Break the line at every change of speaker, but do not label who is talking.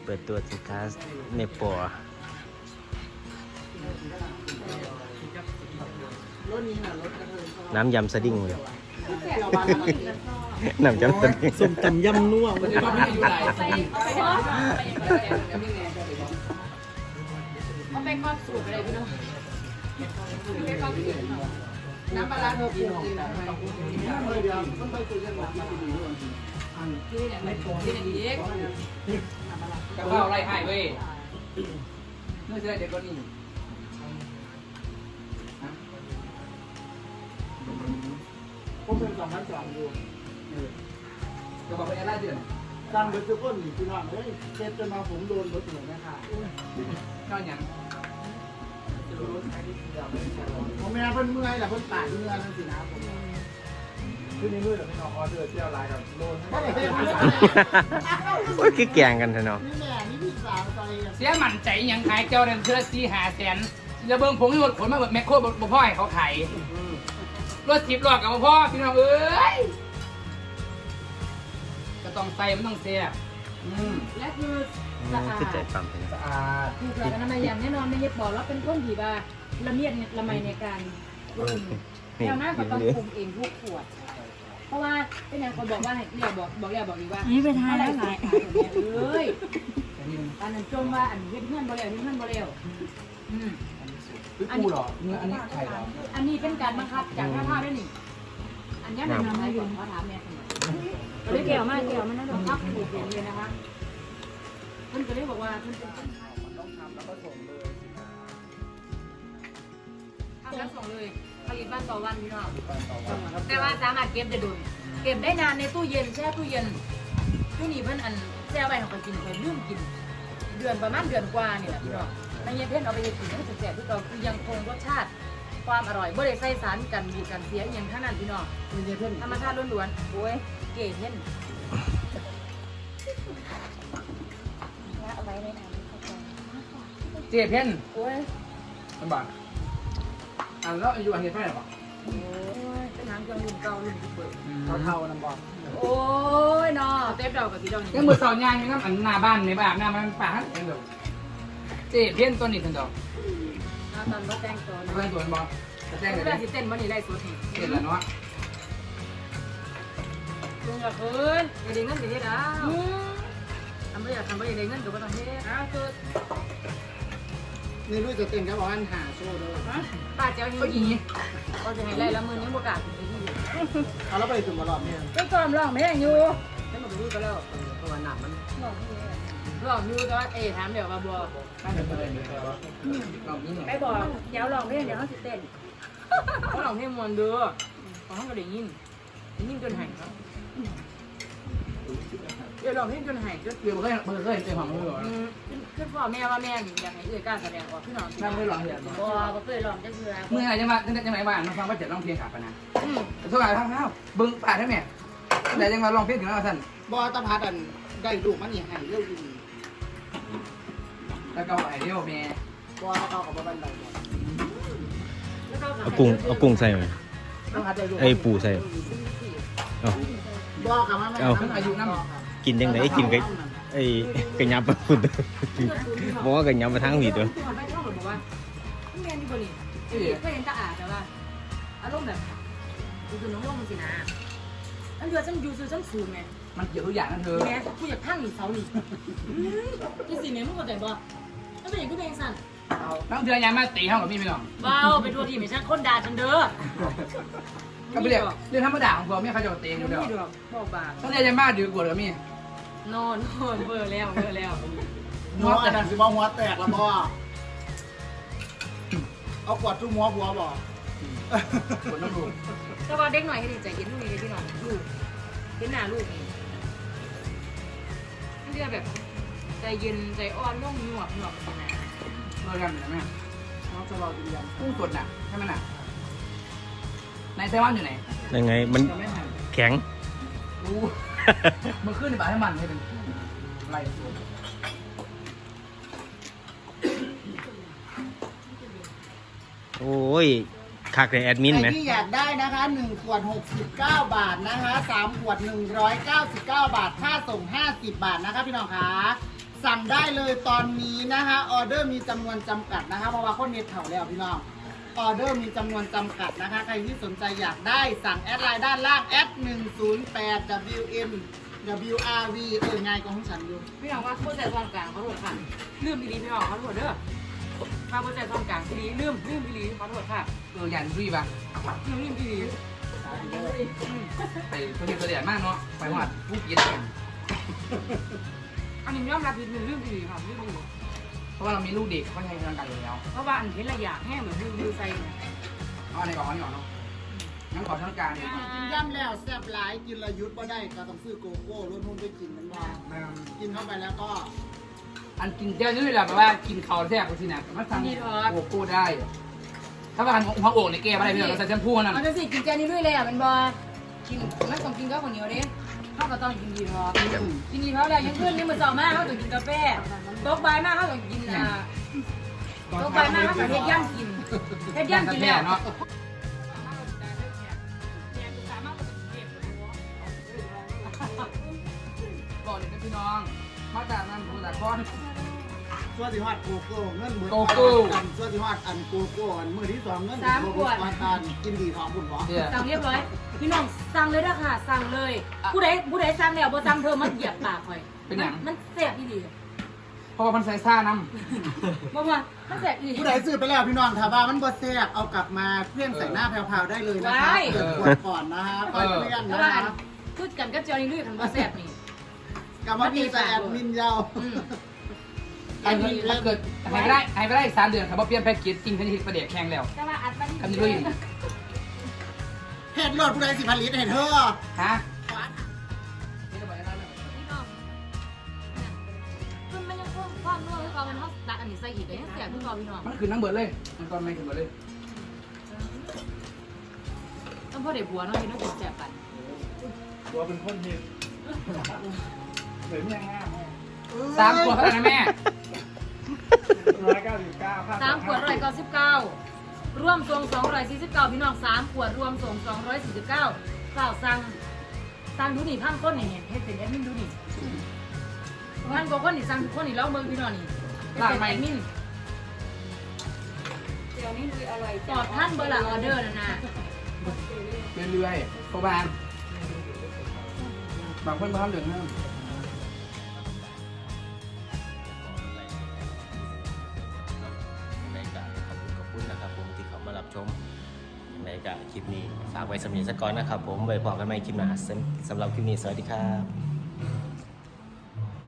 เปิดตัวสินค้าในปอน้ำยำสดิ้งเลยน้ำยำสดิ้ง
ส้มตำยำนัว
เอาไปครอบสูตรอะไรพี่น้องไปครอบสูตรน้ำปลาเธอปรุงเองนะที่เนี่ยไม่ปรุงที่เนี่ยเด็กกระเพราไรหายเว้ยเมื่อจะได้เด็กก็นี่ผมเป็น2,200อยู่กระเพราเป็นอะไรเดือน
การเบิร์ดก้นพี่น้องเฮ้ยเจ็บจนมาผมโดนรถเหนือนะคะ
ก็อย่าง
ผมแม่เพิ่นเมื่อยแหละเพิ่นปาดเมื่อยนั่นสินะผม
ขึ้นในมือแต่ไม่นอนออเดอร์เที่ยวไลน์กับโดน
โอ้ยคือแกงกันเถอะเนาะ
นี่แม่นี่พี่สาวใจ
เสียมันใจยังขายเจ้าเดินเสื้อ4-5 แสนจะเบิ่งผงที่รถขนมาแบบแมคโครบ่พ่อให้เขาขายรถ10 ล้อกับบ่พ่อพี่น้องเอ้ยก็ต้องใส่มันต้องเสีย
และคือสะอาด
คือใจปั๊มเลย
สะอาด
ถูกหลักอนามัยอย่างแน่นอนไม่เย็บบอกแล้วเป็นคนที่ว่าละเมียดละไมในการปรุง
นี่
แล้วน่าก็ต้อง
เหลือ
ปรุงเองทุกขวด เพราะว่าเป็นอย่างคนบอกว่าเนี่ยบอกอีกว่า
นี่ไปทานแล้วไง
เอ้ยอันนั้นจมว่าอันเฮ็ดเพื่อนบ่แล้วเฮ็ดเพื่อนบ่แล้ว
คือกูเหรอเนื้ออันนี้ไข่เหรอ
อันนี้เป็นการบังคับจากท่าด้วยนี่ อันนี้มันทำให้ยนเขาถามแม่ก็เลยเกี่ยวมากนะบังคับถูกเองเลยนะคะเพิ่นก็เลยบอกว่าเพิ่นเป็น
มันต้องทำแล้วก็ส่งเลยสินะ
ทำแล้วส่งเลยผลิตวันต่อวันพี่น้อง
ต่อวัน
แต่ว่าสามารถเก็บได้โดนเก็บได้นานในตู้เย็นแช่ตู้เย็นตู้นี้เพิ่นอันแช่ไว้เขาก็กินเพิ่นลืมกิน เดือนประมาณเดือนกว่านี่แหละพี่น้องในเย็นเพิ่นเอาไปกินให้แซ่บๆคือเก่าคือยังคงรสชาติความอร่อยบ่ได้ใส่สารกันบูดกันเสียอหย่างทั้งนั้นพี่น้อง
นี่เพิ่น
ธรรมชาติล้วนๆโอ้ยเก๋เห็น
เอาไว้ในถังเข้าไป
เจี๊ยบเพ่น
โอ้ย
มันบอกแล้วอายุอันนี้เท่าไหร่บอก
โอ้ยเป็นหางเครื่องรุ่นเก่ารุ่นที่เปิด
เท่าๆน้ำบอก
โอ้ยเนาะเต็มดอกกับสีดอก
ยั
นี่
งมือสอนยางยังงั้นอันหน้าบ้านในบ้านหน้ามันป่าฮั่นเองเดี๋ยวเจี๊ยบเพ่นตัวนี้ทันดอก
ตอนบ่แต่งตัว
เพื่อนตัวมันบอกจะแจ้ง
เว
เล
ลาย สิเต้นบ่นี่ได้สุดนี่
เห็นแล้วเนาะ
ลุงอยากเฮ้ยอย่าได้เงินสิเฮ็ดเอาทำบ่อยากได้เงินก็บ่ต้องเฮ็ดเอาคือ
นี่ลูกจะเต้นก็บอกว่าหาโชว์ด้วย
ป้าเจ้าหิวอีก็จะให้ไล่ละมื้อนี้บ่กล้าสิไปที่
เอาแล้วไปถึงมาหลอดเนี่ย
ไปซ้อมร้องเพลงอยู่แล้วมันไปดูก็แล้ว
ตัวหนักมัน
ร้องอยู่แต่ว่าถามเดี๋ยวว่าบ่
ไม่เป็นประเด็นเลยว่าลองนี่หน่อย
ไปบอกเดี๋ยวร้องเพลงเดี๋ยวเฮาสิเต้นเขาร้องเพลงม่วนเด้อของเฮาก็ได้ยินจนหายครับเดี๋ยวร้องเพลงจนหายจน
เดี๋ยวเคยเจอของมือหรอ
คือพ่อแม่ว่าแม่อยากให้เอื้อยกล้าแสดงออกพี่น้อง
นั่งไม่ร้องเห็น
บ่เคยร้องจักเทื่อ
เมื่อไหร่จะมาตั้งแต่จังไหนบ้านมาฟังว่าจะร้องเพลงขาปนะโทษอะไรทั้งเท้าบึ้งป่าทั้งแม่แต่ยังมาร้องเพลงถึงแล้วท่าน
บอตะพัดอันได้ลูกมันนี่ให้เรื่องดี
แล้วก็ไอเดียวแม่
บอเขากับบ้านเรา
เอากุ้งใส่ไหม
ต้องพัดได้ลูก
ไอ้ปูใส่เอา
บอกกับแม่
ทั้งอายุน้ำ
กินยังไงกินกับไอ้กระยับพุ่นบอกว่ากระยับมาทางผีตัว
ไปท่องบอกว่าแม่นี่บ่นี่เคยเห็นตาอาแต่ว่าอารมณ์แบบคือน้องลงมันสินะอันเดือฉันอยู่ซื่อฉันสูงไง
มันเกี่ยวทุกอย่างนั่นเธอ
แม่กูอยากพังนี่เสานี่ที่สิแม่มึงเข้าใจบ่แล้วเป็นอย่างกูเป็นสั่น
ต้องเดือนยามมาตีห้องกับพี่ไม่หรอก
เบาไปทัวทีไม่ใช่คนด่าฉันเด้อ
ก็ไปเรียกเรื่องธรรมดาของผมไม่เขาจะตีอยู่
ไม่
เดียว
ดอกบอกบา
ต้องเรียนยามมาดื้อกว่ากับมี่
นอนเบอร์แล้ว
หัวแต่สิบหัวแตกแล้วบอเอาขวดทุ่มหัวบัวบอก
คนต้องรู้
แต่ว่าเด็กหน่อยให้ดีใจเย็นลูกนี่พี่น้องลูกเห็นหน้าลูกนี่เรียกแบบใจเย็นใจอ่อนนุ่มหนวกนะ
เมื่อกันเหมือนแม่
น้องจะรอกินยัง
กุ้งสดน่ะใช่ไหมน่ะนายไซวันอยู่ไหน
ยังไงมัน
จะไม่ทัน
แข็ง
รู้มันขึ้นในป่าให้มันให้เป็นไรสวย
โอ้ยคักเลยแอดมิน
ใคร
ไหม
ที่อยากได้นะคะ1ขวด69 บาทนะคะ3ขวด199 บาทค่าส่ง50 บาทนะคะพี่น้องคะสั่งได้เลยตอนนี้นะคะออเดอร์มีจำนวนจำกัดนะคะเพราะว่าคนเน็ตเถ่าแล้วพี่น้องออเดอร์มีจำนวนจำกัดนะคะใครที่สนใจอยากได้สั่งแอดไลน์ด้านล่าง108 WM WRV ไงของฉันอยู่
พี่น้องว่าผู้ใจตอนกลางเขาโทษค่ะลืมดีๆพี่น้องเขาโทษเด้อมาผู้ใจตอนกลางดีลืมดีๆเขาโทษค่ะ
ยันรีบอ่ะ
ลืมดี
ไปประเทศประเดี๋ยวมากเนาะไปหอดผู้กินกัน
อันนี้ยอมรับผิดลืมดีค่ะลืมดี
เพราะว่าเรามีลูกเด็กเขาใช้ร่างกายอยู่แล้ว
เพราะว่าอันเห็นระยะแห้งเหมือนลืมใส่
เอาอันไหนก่อนเนาะงั้นขอทั้งการเลย
กินย่ำแล้วแซ่บหลายกินระยุทธ์บ่ได้ก็ต้องซื้อโกโก้รุ่นหุ้นไปกินมันว่ากินเข้าไปแล้วก็
อันกินเจ้านี่แหละแบบว่ากินเขาแทบสินะมันสั่งโกโก้ได้ ถ้าว่าหัวโอ่งในแก้วอะไรพี่เราใส่แชมพูนั่น
มันจะสิกินแกนี่ด้วยเลยอ่ะมันบอกินมันต้องกินข้าวเหนียวเด้ข้าวก็ต้องกินดีพอกินดีพอแล้วยังขึ้นนี่มันเจ้ามากเขาต้องกินกาแฟโต๊ะใบมากเขาต้องกินโต๊ะใบมากเขาต้องเฮ็ดย่ำกินเฮ็ดย่ำกินแล้ว
เนาะบอกเลยนะพี่น้องมาจากนั้นมาจากก้อน
ส่วนที่ฮอดโกโก้เงินหมื่น
โกโก้
อันส่วนที่ฮอดอันโกโก้อันมื้อที่สองเงินโกโก้อันกินดีท้องบุญหรอ
สั่งเรียบร้อยพี่น้องสั่งเลยนะค่ะสั่งเลยผู้ใดสั่งแล้วบ่สั่งเธอมันเหยียบปากข่อยมันแสบอีหลี
เพราะว่ามันใส่ซ่าน้
บ่ว่ามันแสบอีหลี
ผู้ใดซื้อไปแล้วพี่น้องถ้าว่ามันบ่แซ่บเอากลับมาเพื่อนใส่หน้าแพรวๆได้เลยนะคะเปิดขวดก่อนนะคะค่อยเพื่อน
แต่
นะ
ว่า
คะ
พูดกันก็เจอนี่ลุยมันบ่แสบนี่
กลับมาพี่ใส่แอดมินยาว
ำถ้าเกิดหายไปได้3 เดือนครับเพราะเปลี่ยนแพ็กเกจจริงทันทีประเดี๋ยวแข่งแล้ว
แต่ว่าอัดมัน
คำนี้ด้วย
เห็ดโหลดผู้ใดสิผลิตเห็ดเธอ
ฮะ
มันยังคงความนัวคือเขามันเฮาตักอันนี้ใส่อีกก็ยังแสบคือเขาพี่น้อง
มันคือน้ำเบิร์ดเลยมันตอนไม่คือเบิร์ดเลย
ต้องพ่อเด็กบัวเนาะพี่น้องกินแสบกัน
ตัวเป็นคนเห็นเหมือนยังง่าย
3 ขวดเท่านั้นนะแม่
199ค่า
3 ขวด199รวมส่ง249พี่น้อง3 ขวดรวมส่ง249ข้าวสั่งดูนี่พังคนนี่เฮ็ดเป็นแอดมินดูนี่พันกว่าคนนี่สั่งทุกคนนี่แล้วเบิ่งพี่น้องนี่เป็นแอดมินเดี๋ยวนี้ลุยอร่อยตอบท่านเบอร์ละออเดอร์นะนะ
เรื่อยๆโคบานบางคนมาทำเหลืองห้าม
ในกะขอบคุณนะครับผมที่เขามารับชมในกะคลิปนี้ฝากไว้สำหรับสักก่อนนะครับผมไว้พบกันใหม่คลิปหน้าสำหรับคลิปนี้สวัสดีครับ